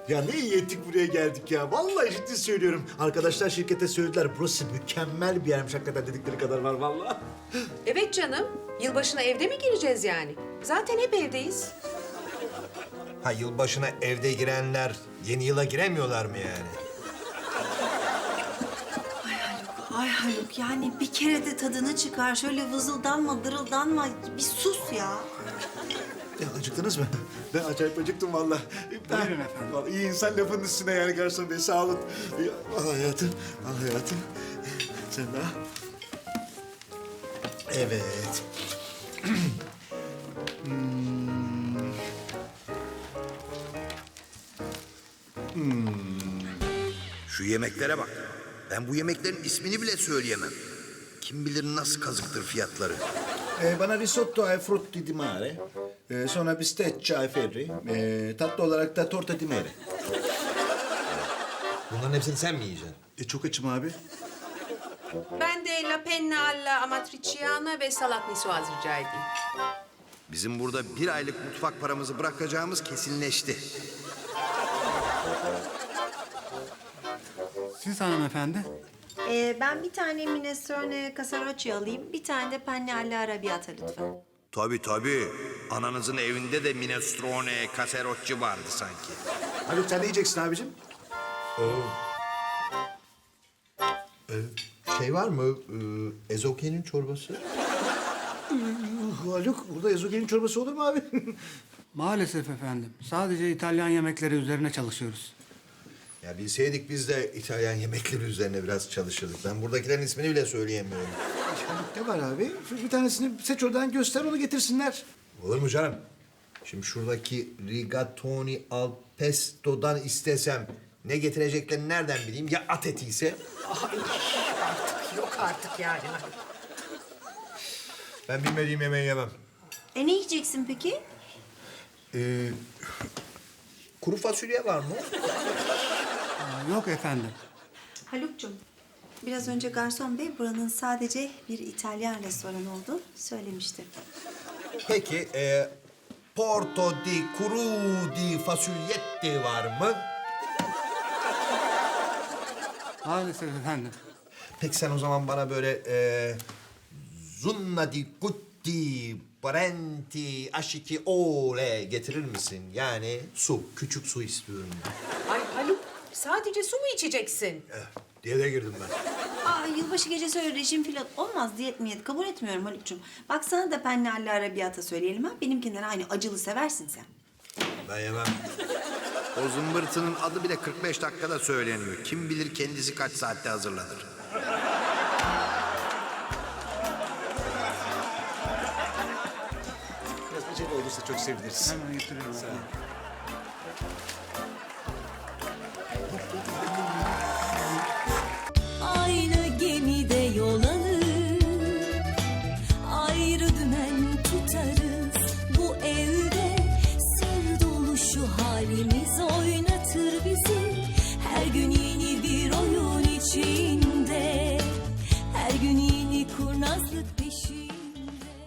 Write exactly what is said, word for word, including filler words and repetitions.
Ya ne iyi ettik buraya geldik ya. Vallahi ciddi söylüyorum. Arkadaşlar şirkete söylediler. Burası mükemmel bir yermiş hakikaten dedikleri kadar var vallahi. Evet canım. Yılbaşına evde mi gireceğiz yani? Zaten hep evdeyiz. Ha yılbaşına evde girenler yeni yıla giremiyorlar mı yani? Ay Haluk yani bir kere de tadını çıkar. Şöyle vızıldanma, dırıldanma. Bir sus ya. Ya acıktınız mı? Ben acayip acıktım vallahi. Buyurun efendim. Vallahi iyi insan lafının üstüne yani garson bey sağ olun. Al hayatım, al hayatım. Sen de al. Evet. Şu yemeklere bak. Ben bu yemeklerin ismini bile söyleyemem. Kim bilir nasıl kazıktır fiyatları. Ee, bana risotto ai frutti di mare. Ee, sonra bistecca ai ferri. Ee, tatlı olarak da torta di mare. Bunların hepsini sen mi yiyeceksin? E, çok açım abi. Ben de la penna alla amatriciana ve salat niçoise rica edeyim. Bizim burada bir aylık mutfak paramızı bırakacağımız kesinleşti. Siz hanımefendi. Ee, ben bir tane minestrone casarocci alayım. Bir tane de penne alla arrabbiata lütfen. Tabii tabii. Ananızın evinde de minestrone, caserocci vardı sanki. Haluk sen ne yiyeceksin abicim? Şey var mı? Ee, ezokelin çorbası. Haluk burada ezogelin çorbası olur mu abi? Maalesef efendim. Sadece İtalyan yemekleri üzerine çalışıyoruz. Ya bilseydik biz de İtalyan yemekleri üzerine biraz çalışırdık. Ben buradakilerin ismini bile söyleyemiyorum. Haluk ne var abi? Bir tanesini seç oradan göster onu getirsinler. Olur mu canım? Şimdi şuradaki rigatoni al pesto'dan istesem ne getireceklerini nereden bileyim? Ya at eti ise? Yok artık yani. Ben bilmediğim yemeği yemem. E ne yiyeceksin peki? Ee, kuru fasulye var mı? Aa, yok efendim. Haluk'cum, biraz önce garson bey buranın sadece bir İtalyan restoranı olduğunu söylemişti. Peki, e, porto di kuru di fasulyetti var mı? Maalesef efendim. Peki sen o zaman bana böyle e, zunna di gutti parenti aşiki ole getirir misin? Yani su, küçük su istiyorum ben. Ay Haluk, sadece su mu içeceksin? Eh, diye de girdim ben. Aa, yılbaşı gecesi öyle rejim falan olmaz. Diyet miyet kabul etmiyorum Haluk'cum. Bak sana da penne alla arrabbiata söyleyelim ha. Benimkinden aynı acılı seversin sen. Ben yemem. O zımbırtının adı bile kırk beş dakikada söyleniyor. Kim bilir kendisi kaç saatte hazırlanır. Biraz acele olursa çok seviniriz. Hemen getiriyorum. efendim. Aynı gemide yol alır, ayrı dümen tutarız. Bu evde sır dolu şu halimiz